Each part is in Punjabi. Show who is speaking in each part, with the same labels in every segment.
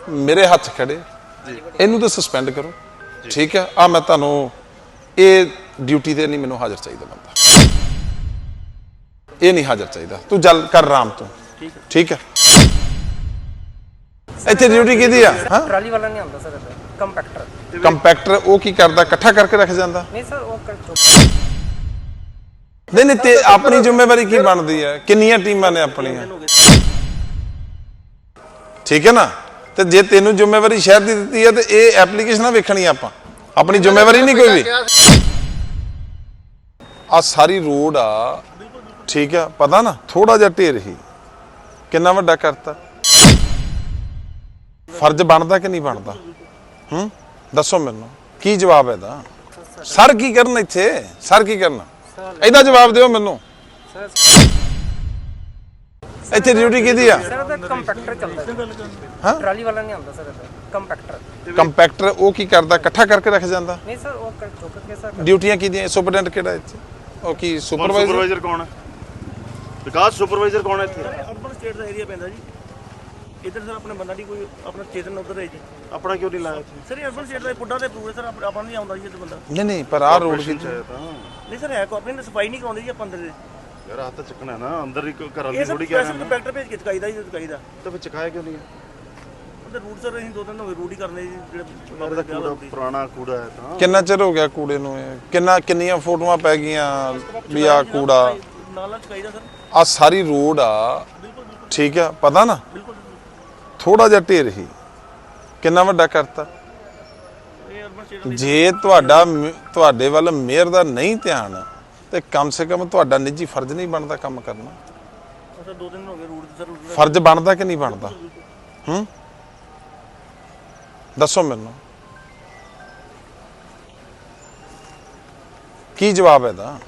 Speaker 1: मेरे हथ खड़े इनू तो सस्पेंड करो, ठीक है। आ मैं तुहानू ये ड्यूटी ते नहीं, मैनू हाज़र चाहिए बंदा, ये नहीं हाज़र चाहिए। तू जल कर आराम तू, ठीक है। इत्थे ड्यूटी किहदी आ?
Speaker 2: ट्राली वाला नहीं आंदा सर, कंपैक्टर।
Speaker 1: कंपैक्टर वो की करदा, इकट्ठा करके रख जांदा?
Speaker 2: नहीं सर, वो
Speaker 1: नहीं ते अपनी जिम्मेवारी की बनदी है? किन्नियां टीमां ने अपनियां, ठीक है ना। ते जे तेनू जिम्मेवारी शहर दी दित्ती है ते ये एप्लीकेशनां वेखणी आपां, अपनी जिम्मेवारी नहीं कोई भी। आ सारी रोड आ, ठीक है, पता ना थोड़ा जिहा ढेर ही किन्ना वड्डा करता। फर्ज बनदा कि नहीं बनदा? दसो मैनू की जवाब है दा? सर की करन इत्थे, सर की करन? ਇਹਦਾ ਜਵਾਬ ਦਿਓ ਮੈਨੂੰ। ਇੱਥੇ ਡਿਊਟੀ ਕਿਹਦੀ ਆ?
Speaker 2: ਸਰ ਉਹਦਾ ਕੰਪੈਕਟਰ ਚੱਲਦਾ।
Speaker 1: ਹਾਂ,
Speaker 2: ਟਰਾਲੀ ਵਾਲਾ ਨਹੀਂ ਆਉਂਦਾ ਸਰ, ਕੰਪੈਕਟਰ।
Speaker 1: ਕੰਪੈਕਟਰ ਉਹ ਕੀ ਕਰਦਾ, ਇਕੱਠਾ ਕਰਕੇ ਰੱਖ ਜਾਂਦਾ?
Speaker 2: ਨਹੀਂ ਸਰ, ਉਹ ਚੁੱਕ ਕੇ ਸਰ।
Speaker 1: ਡਿਊਟੀਆਂ ਕਿਹਦੀਆਂ? ਸੁਪਰਡੈਂਟ ਕਿਹੜਾ ਇੱਥੇ? ਉਹ ਕੀ ਸੁਪਰਵਾਈਜ਼ਰ
Speaker 3: ਕੌਣ ਹੈ? ਵਿਕਾਸ ਸੁਪਰਵਾਈਜ਼ਰ ਕੌਣ ਹੈ ਇੱਥੇ?
Speaker 4: ਅਰਬਨ ਸਟੇਟ ਦਾ ਏਰੀਆ ਪੈਂਦਾ ਜੀ। ਇੱਧਰ ਸਰ ਆਪਣੇ ਬੰਦਾ ਦੀ ਕੋਈ ਆਪਣਾ ਚੇਤਨ ਉਧਰ ਹੈ ਜੀ।
Speaker 3: ਆਪਣਾ ਕਿਉਂ ਨਹੀਂ ਲਾਇਆ ਇੱਥੇ?
Speaker 4: ਸਰ ਅਰਬਨ ਸਟੇਟ ਦਾ ਪੁੱਡਾ ਤੇ ਪ੍ਰੂਵ ਹੈ ਸਰ, ਆਪਾਂ ਨਹੀਂ ਆਉਂਦਾ ਜੀ ਇੱਥੇ ਬੰਦਾ।
Speaker 1: ਨਹੀਂ ਪਰ ਆਹ ਰੋਡ ਕੀ
Speaker 4: ਨਹੀਂ ਸਰ, ਹੈ ਕਾਰਪੋਰੇਸ਼ਨ ਸਫਾਈ ਨਹੀਂ ਕਰਾਉਂਦੇ ਜੀ ਆਪਾਂ ਅੰਦਰ ਦੇ।
Speaker 3: ਯਾਰ ਹੱਥ ਚੱਕਣਾ ਨਾ, ਅੰਦਰ ਹੀ ਘਰਾਂ
Speaker 4: ਇਹ
Speaker 3: ਦੀ
Speaker 4: ਸਰ
Speaker 3: ਥੋੜੀ ਕਹਿ
Speaker 4: ਸਪੈਸ਼ਲ ਕੰਪੈਕਟਰ ਭੇਜ ਕੇ ਚਕਾਈਦਾ ਜੀ, ਚਕਾਈਦਾ।
Speaker 3: ਤਾਂ ਫਿਰ ਚਕਾਇਆ ਕਿਉਂ ਨਹੀਂ?
Speaker 4: ਉਹਦੇ ਰੂਟ ਸਰ ਅਸੀਂ 2 ਦਿਨ ਹੋ ਗਏ ਰੂਟ ਹੀ ਕਰਨੇ ਜੀ, ਜਿਹੜੇ
Speaker 3: ਬਾਬਾ ਦਾ ਕੂੜਾ ਪੁਰਾਣਾ ਕੂੜਾ ਹੈ ਤਾਂ।
Speaker 1: ਕਿੰਨਾ ਚਿਰ ਹੋ ਗਿਆ ਕੂੜੇ ਨੂੰ? ਇਹ ਕਿੰਨੀਆਂ ਫੋਟੋਆਂ ਪੈ ਗਈਆਂ ਵੀ ਆ ਕੂੜਾ
Speaker 4: ਨਾਲ ਚਕਾਈਦਾ ਸਰ।
Speaker 1: ਆ ਸਾਰੀ ਰੋਡ ਆ, ਠੀਕ ਹੈ, ਪਤਾ ਨਾ ਥੋੜਾ ਜਿਹਾ ਢੇਰ ਹੀ ਕਿੰਨਾ ਵੱਡਾ ਕਰਤਾ। ਜੇ ਤੁਹਾਡੇ ਵੱਲ ਮੇਅਰ ਦਾ ਨਹੀਂ ਧਿਆਨ ਤੇ ਕਮ ਸੇ ਕਮ ਤੁਹਾਡਾ ਨਿੱਜੀ ਫਰਜ਼ ਨਹੀਂ ਬਣਦਾ ਕੰਮ ਕਰਨਾ?
Speaker 4: ਸਰ 2 ਦਿਨ ਹੋ ਗਏ ਰੂਟ ਸਰ।
Speaker 1: ਫਰਜ਼ ਬਣਦਾ ਕਿ ਨਹੀਂ ਬਣਦਾ? ਦੱਸੋ ਮੈਨੂੰ ਕੀ ਜਵਾਬ ਹੈ ਦਾ?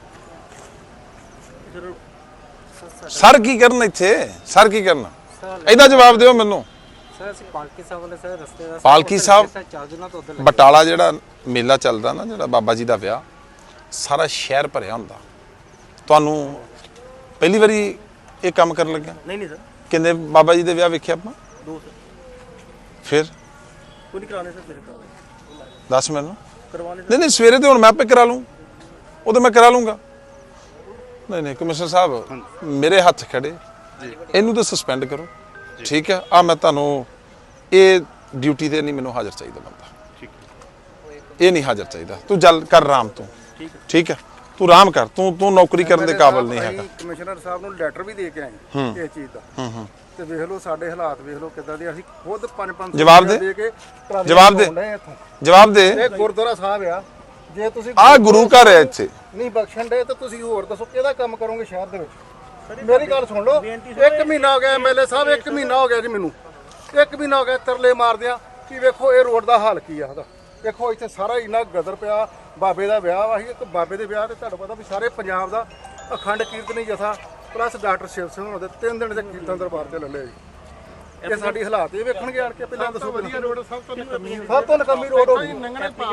Speaker 1: ਸਰ ਕੀ ਕਰਨ ਇੱਥੇ? ਸਰ ਕੀ ਕਰਨ? ਇਹਦਾ ਜਵਾਬ ਦਿਓ ਮੈਨੂੰ।
Speaker 2: ਸਰ ਅਸੀਂ ਪਾਲਕੀ ਸਾਹਿਬ ਵਾਲੇ ਸਰ ਰਸਤੇ ਦਾ
Speaker 1: ਪਾਲਕੀ ਸਾਹਿਬ
Speaker 2: 4 ਦਿਨਾਂ ਤੋਂ ਉਧਰ
Speaker 1: ਬਟਾਲਾ ਜਿਹੜਾ ਮੇਲਾ ਚੱਲਦਾ ਨਾ, ਜਿਹੜਾ ਬਾਬਾ ਜੀ ਦਾ ਵਿਆਹ, ਸਾਰਾ ਸ਼ਹਿਰ ਭਰਿਆ ਹੁੰਦਾ। ਤੁਹਾਨੂੰ ਪਹਿਲੀ ਵਾਰੀ ਇਹ ਕੰਮ ਕਰਨ ਲੱਗਿਆ?
Speaker 4: ਨਹੀਂ ਸਰ।
Speaker 1: ਕਿੰਨੇ ਬਾਬਾ ਜੀ ਦੇ ਵਿਆਹ ਵੇਖਿਆ ਆਪਾਂ?
Speaker 4: 2 ਸਰ।
Speaker 1: ਫਿਰ
Speaker 4: ਕੋਈ ਨਹੀਂ ਕਰਾਣੇ ਸਰ, ਮੇਰੇ ਕਰਾਣੇ।
Speaker 1: ਦੱਸ ਮੈਨੂੰ।
Speaker 4: ਕਰਵਾਣੇ
Speaker 1: ਨਹੀਂ ਸਵੇਰੇ ਤੇ ਹੁਣ ਮੈਂ ਆਪੇ ਕਰਾ ਲੂੰ, ਉਹ ਤਾਂ ਮੈਂ ਕਰਾ ਲੂੰਗਾ। ਨਹੀਂ ਕਮਿਸ਼ਨਰ ਸਾਹਿਬ ਮੇਰੇ ਹੱਥ ਖੜੇ, ਇਹਨੂੰ ਤਾਂ ਸਸਪੈਂਡ ਕਰੋ, ਠੀਕ ਹੈ। ਆ ਮੈਂ ਤੁਹਾਨੂੰ ਇਹ ਡਿਊਟੀ ਤੇ ਨਹੀਂ, ਮੈਨੂੰ ਹਾਜ਼ਰ ਚਾਹੀਦਾ ਬੰਦਾ, ਇਹ ਨਹੀਂ ਹਾਜ਼ਰ ਚਾਹੀਦਾ। ਤੂੰ ਜਲ ਕਰ ਆਰਾਮ ਤੂੰ, ਠੀਕ ਹੈ, ਤੂੰ ਆਰਾਮ ਕਰ, ਤੂੰ ਨੌਕਰੀ ਕਰਨ ਦੇ ਕਾਬਿਲ ਨਹੀਂ ਹੈਗਾ।
Speaker 5: ਕਮਿਸ਼ਨਰ ਸਾਹਿਬ ਨੂੰ ਲੈਟਰ ਵੀ ਦੇ ਕੇ ਆਏ ਇਸ ਚੀਜ਼ ਦਾ, ਤੇ ਵੇਖ ਲਓ ਸਾਡੇ ਹਾਲਾਤ ਵੇਖ ਲਓ ਕਿੱਦਾਂ ਦੇ। ਅਸੀਂ ਖੁਦ 5-5
Speaker 1: ਜਵਾਬ ਦੇ, ਜਵਾਬ ਦੇ, ਜਵਾਬ ਦੇ।
Speaker 5: ਇਹ ਗੁਰਦੁਆਰਾ ਸਾਹਿਬ ਆ, ਜੇ ਤੁਸੀਂ
Speaker 1: ਆ ਗੁਰੂ ਘਰ ਹੈ ਇੱਥੇ
Speaker 5: ਨਹੀਂ ਬਖਸ਼ਣ ਦੇ ਤਾਂ ਤੁਸੀਂ ਹੋਰ ਦੱਸੋ ਕਿਹਦਾ ਕੰਮ ਕਰੋਗੇ ਸ਼ਹਿਰ ਦੇ ਵਿੱਚ? ਮੇਰੀ ਗੱਲ ਸੁਣ ਲਓ, 1 ਮਹੀਨਾ ਹੋ ਗਿਆ ਐਮਐਲਏ ਸਾਹਿਬ, 1 ਮਹੀਨਾ ਹੋ ਗਿਆ ਜੀ ਮੈਨੂੰ, 1 ਮਹੀਨਾ ਹੋ ਗਿਆ ਤਰਲੇ ਮਾਰਦਿਆਂ ਕਿ ਵੇਖੋ ਇਹ ਰੋਡ ਦਾ ਹਾਲ ਕੀ ਆ ਉਹਦਾ। ਦੇਖੋ ਇੱਥੇ ਸਾਰਾ ਇੰਨਾ ਗਦਰ ਪਿਆ। ਬਾਬੇ ਦਾ ਵਿਆਹ ਵਾ, ਇੱਕ ਬਾਬੇ ਦੇ ਵਿਆਹ ਤੇ ਤੁਹਾਨੂੰ ਪਤਾ ਵੀ ਸਾਰੇ ਪੰਜਾਬ ਦਾ ਅਖੰਡ ਕੀਰਤਨੀ ਜਥਾ ਪਲੱਸ ਡਾਕਟਰ ਸ਼ਿਵ ਸਿੰਘ ਹੋਣਾ ਦੇ 3 ਦਿਨ ਦੇ ਕੀਰਤਨ ਦਰਬਾਰ ਤੇ ਲੱਲੇ ਜੀ। ਇਹ ਸਾਡੀ ਹਾਲਾਤ ਇਹ ਵੇਖਣਗੇ ਆਣ ਕੇ। ਪਹਿਲਾਂ ਦੱਸੋ, ਵਧੀਆ ਰੋਡ ਸਭ ਤੋਂ ਨਕਮੀ ਰੋਡ ਹੋ ਗਈ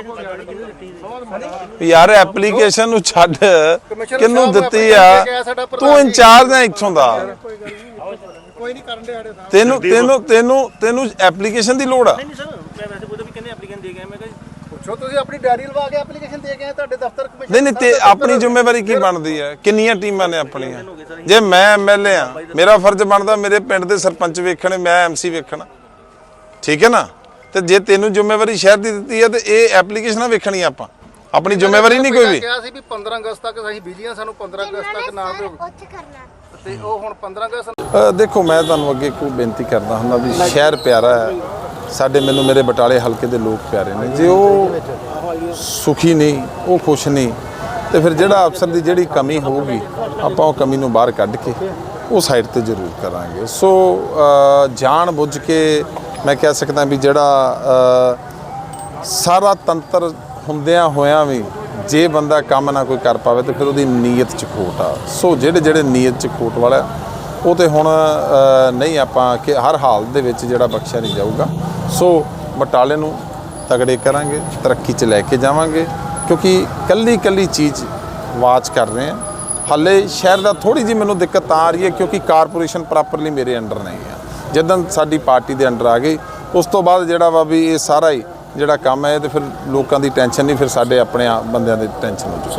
Speaker 1: ਯਾਰ। ਐਪਲੀਕੇਸ਼ਨ ਨੂੰ ਛੱਡ, ਕਿਹਨੂੰ ਦਿੱਤੀ ਆ? ਤੂੰ ਇੰਚਾਰਜ ਹੈ ਇੱਥੋਂ ਦਾ,
Speaker 5: ਕੋਈ ਨਹੀਂ ਕਰਨ ਦੇ।
Speaker 1: ਤੈਨੂੰ ਐਪਲੀਕੇਸ਼ਨ ਦੀ ਲੋੜ ਆ?
Speaker 4: ਨਹੀਂ ਸਰ, ਮੈਂ ਵੈਸੇ ਕੋਈ ਵੀ ਕਹਿੰਦੇ ਐਪਲੀਕੇਸ਼ਨ ਦੇ ਕੇ ਮੈਂ ਕਿਹਾ
Speaker 5: ਪੁੱਛੋ, ਤੁਸੀਂ ਆਪਣੀ ਡਾਇਰੀ ਲਵਾ ਕੇ ਐਪਲੀਕੇਸ਼ਨ ਦੇ ਕੇ ਆਏ ਤੁਹਾਡੇ ਦਫ਼ਤਰ ਕਮਿਸ਼ਨ?
Speaker 1: ਨਹੀਂ ਤੇ ਆਪਣੀ ਜ਼ਿੰਮੇਵਾਰੀ ਕੀ ਬਣਦੀ ਹੈ? ਕਿੰਨੀਆਂ ਟੀਮਾਂ ਨੇ ਆਪਣੀਆਂ? ਜੇ ਮੈਂ ਐਮਐਲਏ ਆ, ਮੇਰਾ ਫਰਜ਼ ਬਣਦਾ ਮੇਰੇ ਪਿੰਡ ਦੇ ਸਰਪੰਚ ਵੇਖਣੇ, ਮੈਂ ਐਮਸੀ ਵੇਖਣਾ, ਠੀਕ ਹੈ ਨਾ। ਤੇ ਜੇ ਤੈਨੂੰ ਜ਼ਿੰਮੇਵਾਰੀ ਸ਼ਹਿਰ ਦੀ ਦਿੱਤੀ ਹੈ ਤੇ ਇਹ ਐਪਲੀਕੇਸ਼ਨਾਂ ਵੇਖਣੀਆਂ ਆਪਾਂ, ਆਪਣੀ ਜ਼ਿੰਮੇਵਾਰੀ ਨਹੀਂ ਕੋਈ ਵੀ।
Speaker 5: ਕਿਹਾ ਸੀ ਵੀ 15 ਅਗਸਤ ਤੱਕ ਅਸੀਂ ਬਿਜਲੀ ਆ, ਸਾਨੂੰ 15 ਅਗਸਤ ਤੱਕ ਨਾ ਦਿਓ ਤੇ ਉਹ ਹੁਣ 15 ਅਗਸਤ।
Speaker 1: ਦੇਖੋ ਮੈਂ ਤੁਹਾਨੂੰ ਅੱਗੇ ਕੋਈ ਬੇਨਤੀ ਕਰਦਾ ਹੁੰਦਾ ਵੀ ਸ਼ਹਿਰ ਪਿਆਰਾ ਹੈ ਸਾਡੇ, ਮੈਨੂੰ ਮੇਰੇ ਬਟਾਲੇ ਹਲਕੇ ਦੇ ਲੋਕ ਪਿਆਰੇ ਨੇ। ਜੇ ਉਹ ਸੁਖੀ ਨਹੀਂ, ਉਹ ਖੁਸ਼ ਨਹੀਂ, ਤੇ ਫਿਰ ਜਿਹੜਾ ਅਫਸਰ ਦੀ ਜਿਹੜੀ ਕਮੀ ਹੋਊਗੀ ਆਪਾਂ ਉਹ ਕਮੀ ਨੂੰ ਬਾਹਰ ਕੱਢ ਕੇ ਉਹ ਸਾਈਡ ਤੇ ਜ਼ਰੂਰ ਕਰਾਂਗੇ। ਸੋ ਜਾਣ ਬੁੱਝ ਕੇ ਮੈਂ ਕਹਿ ਸਕਦਾ ਵੀ ਜਿਹੜਾ ਸਾਰਾ ਤੰਤਰ ਹੁੰਦਿਆਂ ਹੋਇਆਂ ਵੀ ਜੇ ਬੰਦਾ ਕੰਮ ਨਾ ਕੋਈ ਕਰ ਪਾਵੇ ਤੇ ਫਿਰ ਉਹਦੀ ਨੀਅਤ 'ਚ ਖੋਟ ਆ। ਸੋ ਜਿਹੜੇ ਨੀਅਤ 'ਚ ਖੋਟ ਵਾਲਾ ਉਹ ਤੇ ਹੁਣ ਨਹੀਂ ਆਪਾਂ ਕਿ ਹਰ ਹਾਲ ਦੇ ਵਿੱਚ ਜਿਹੜਾ ਬਖਸ਼ਿਆ ਨਹੀਂ ਜਾਊਗਾ। ਸੋ ਬਟਾਲੇ ਨੂੰ ਤਗੜੇ ਕਰਾਂਗੇ, ਤਰੱਕੀ 'ਚ ਲੈ ਕੇ ਜਾਵਾਂਗੇ, ਕਿਉਂਕਿ ਕੱਲੀ ਚੀਜ਼ ਵਾਚ ਕਰ ਰਹੇ ਹਾਂ। ਹਾਲੇ ਸ਼ਹਿਰ ਦਾ ਥੋੜੀ ਜਿਹੀ ਮੈਨੂੰ ਦਿੱਕਤ ਆ ਰਹੀ ਹੈ ਕਿਉਂਕਿ ਕਾਰਪੋਰੇਸ਼ਨ ਪ੍ਰੋਪਰਲੀ ਮੇਰੇ ਅੰਡਰ ਨਹੀਂ ਹੈ। ਜਦੋਂ ਸਾਡੀ ਪਾਰਟੀ ਦੇ ਅੰਡਰ ਆ ਗਈ ਉਸ ਤੋਂ ਬਾਅਦ ਜਿਹੜਾ ਵਾ ਵੀ ਇਹ ਸਾਰਾ ਹੀ ਜਿਹੜਾ ਕੰਮ ਹੈ ਤੇ ਫਿਰ ਲੋਕਾਂ ਦੀ ਟੈਨਸ਼ਨ ਨਹੀਂ, ਫਿਰ ਸਾਡੇ ਆਪਣੇ ਬੰਦਿਆਂ ਦੀ ਟੈਨਸ਼ਨ ਹੋ ਜੂ।